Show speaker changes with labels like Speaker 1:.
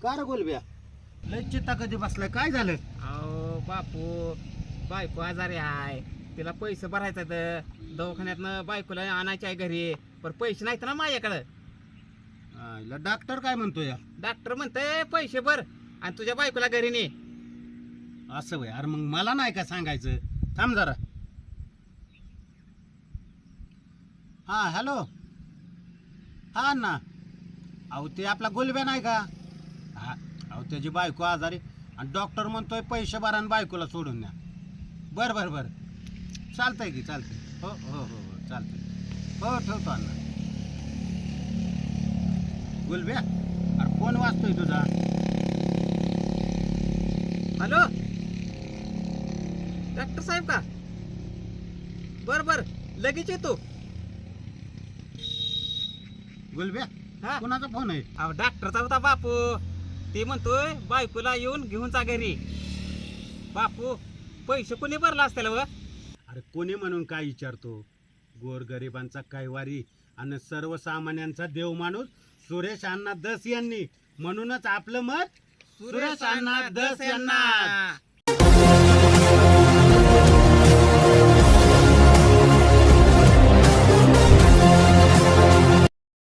Speaker 1: का रे गोलब्या लय चित्ता कधी बसलाय काय झालं?
Speaker 2: अहो बापू बायको आजारी आहे, तिला पैसे भरायचं तर दवाखान्यातनं बायकोला आणायचे आहे घरी, पण पैसे नाहीत ना माझ्याकडं.
Speaker 1: आईला डॉक्टर काय म्हणतो या?
Speaker 2: डॉक्टर म्हणते पैसे भर आणि तुझ्या बायकोला घरी ने.
Speaker 1: असं वय अरे मग मला नाही का सांगायचं? थांब जरा. हा हॅलो. हा ना. अहो ते आपला गोलब्या नाही का? हा अहो त्याची बायको आजारी आणि डॉक्टर म्हणतोय पैसे भरा आणि बायकोला सोडून द्या. बरं बरं बरं चालतंय की चालतंय. हो हो हो हो चालतंय. हो ठेवतो अण्णा. गोलब्या अरे फोन वाजतोय तुझा.
Speaker 2: हॅलो डॉक्टर साहेब का? बर बर लगेच येतो.
Speaker 1: गोलब्या
Speaker 2: हा
Speaker 1: कोणाचा फोन आहे?
Speaker 2: अहो डॉक्टरचा होता बापू. ते म्हणतोय बायकोला येऊन घेऊन जा घरी. बापू पैसे कोणी भरला असतील व?
Speaker 1: अरे कोणी म्हणून काय विचारतो? गोरगरिबांचा कैवारी आणि सर्वसामान्यांचा देव माणूस सुरेश अण्णा दस यांनी, म्हणूनच आपलं मत सुरेश अण्णा दस यांना.